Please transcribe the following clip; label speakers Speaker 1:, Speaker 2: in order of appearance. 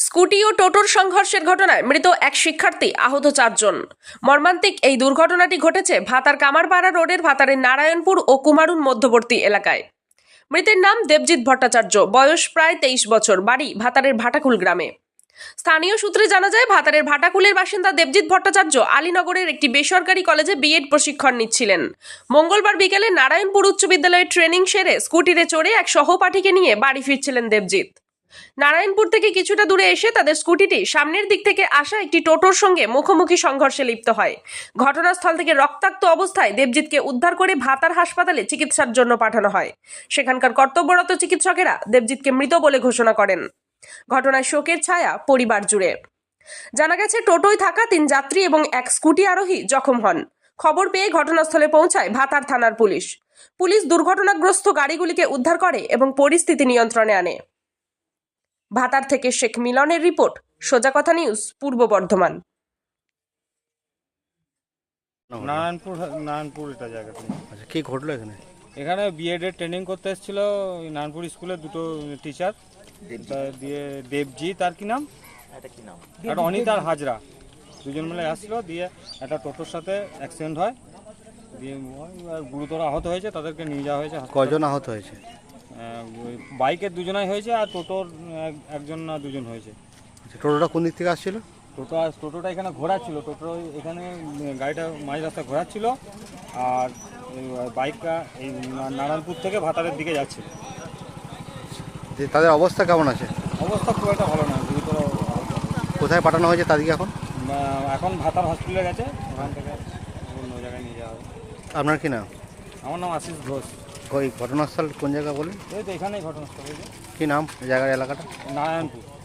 Speaker 1: Scooty ও টোটোর সংঘর্ষের ঘটনায় মৃত এক শিক্ষার্থী, আহত 4 জন। মর্মান্তিক এই দুর্ঘটনাটি ঘটেছে ভাতার কামারপাড়া রোডের ভাতারের নারায়ণপুর ও কুমারুন মধ্যবর্তী এলাকায়। মৃতের নাম দেবজিৎ ভট্টাচার্য, বয়স প্রায় 23 বছর, বাড়ি ভাতারের ভাটাকুল গ্রামে। স্থানীয় সূত্রে জানা যায়, ভাতারের ভাটাকুলের বাসিন্দা দেবজিৎ ভট্টাচার্য আলীনগরের একটি বেসরকারি কলেজে বিএড প্রশিক্ষণ নিচ্ছিলেন। মঙ্গলবার বিকেলে নারায়ণপুর উচ্চ বিদ্যালয়ে ট্রেনিং সেরে স্কুটিতে চড়ে এক সহপাঠীকে নিয়ে বাড়ি ফিরছিলেন দেবজিৎ। নারায়ণপুর থেকে কিছুটা দূরে এসে তাদের স্কুটিটি সামনের দিক থেকে আসা একটি টোটোর সঙ্গে মুখোমুখি সংঘর্ষে লিপ্ত হয়। ঘটনাস্থল থেকে রক্তাক্ত অবস্থায় দেবজিৎকে উদ্ধার করে ভাতার হাসপাতালে চিকিৎসার জন্য পাঠানো হয়। সেখানকার কর্তব্যরত চিকিৎসকেরা দেবজিৎকে মৃত বলে ঘোষণা করেন। ঘটনায় শোকের ছায়া পরিবার জুড়ে। জানা গেছে, টোটোয় থাকা 3 যাত্রী এবং এক স্কুটি আরোহী জখম হন। খবর পেয়ে ঘটনাস্থলে পৌঁছায় ভাতার থানার পুলিশ। পুলিশ দুর্ঘটনাগ্রস্ত গাড়িগুলিকে উদ্ধার করে এবং পরিস্থিতি নিয়ন্ত্রণে আনে। ভাতার থেকে শেখ মিলনের রিপোর্ট, সোজা কথা নিউজ, পূর্ব বর্ধমান।
Speaker 2: নারায়ণপুর এটা জায়গাটা।
Speaker 3: আচ্ছা, কি ঘটলো এখানে?
Speaker 2: এখানে বিএড এর ট্রেনিং করতে এসেছিল নারায়ণপুর স্কুলের দুটো টিচার, দিয়ে দেবজিৎ আর কি নাম, একটা অনিতা আর হাজরা, দুজন মিলে আসছিল। দিয়ে একটা টোটোর সাথে অ্যাক্সিডেন্ট হয়, দিয়ে গুরুতর আহত হয়েছে, তাদেরকে নিয়ে যাওয়া হয়েছে।
Speaker 3: কজন আহত হয়েছে?
Speaker 2: বাইকের দুজনাই হয়েছে আর টোটোর একজন না দুজন হয়েছে।
Speaker 3: আচ্ছা, টোটোটা কোন দিক থেকে আসছিল?
Speaker 2: টোটোটা এখানে ঘোরাচ্ছিল, টোটো এখানে গাড়িটা মাঝ রাস্তা ঘোরাচ্ছিল, আর বাইকটা এই নারায়ণপুর থেকে ভাতারের দিকে যাচ্ছিল।
Speaker 3: যে তাদের অবস্থা কেমন আছে?
Speaker 2: অবস্থা খুব একটা ভালো না, গুরুতর।
Speaker 3: কোথায় পাঠানো হয়েছে তাদেরকে এখন?
Speaker 2: এখন ভাতার হসপিটালে গেছে, ওখান থেকে অন্য জায়গায় নিয়ে যাওয়া হবে।
Speaker 3: আপনার কি নাম?
Speaker 2: আমার নাম আশিস ঘোষ।
Speaker 3: ওই ঘটনাস্থল কোন জায়গা বলেন?
Speaker 2: এই তো এখানেই ঘটনাস্থল হয়েছে।
Speaker 3: কি নাম জায়গার, এলাকাটা?
Speaker 2: নারায়ণপুর।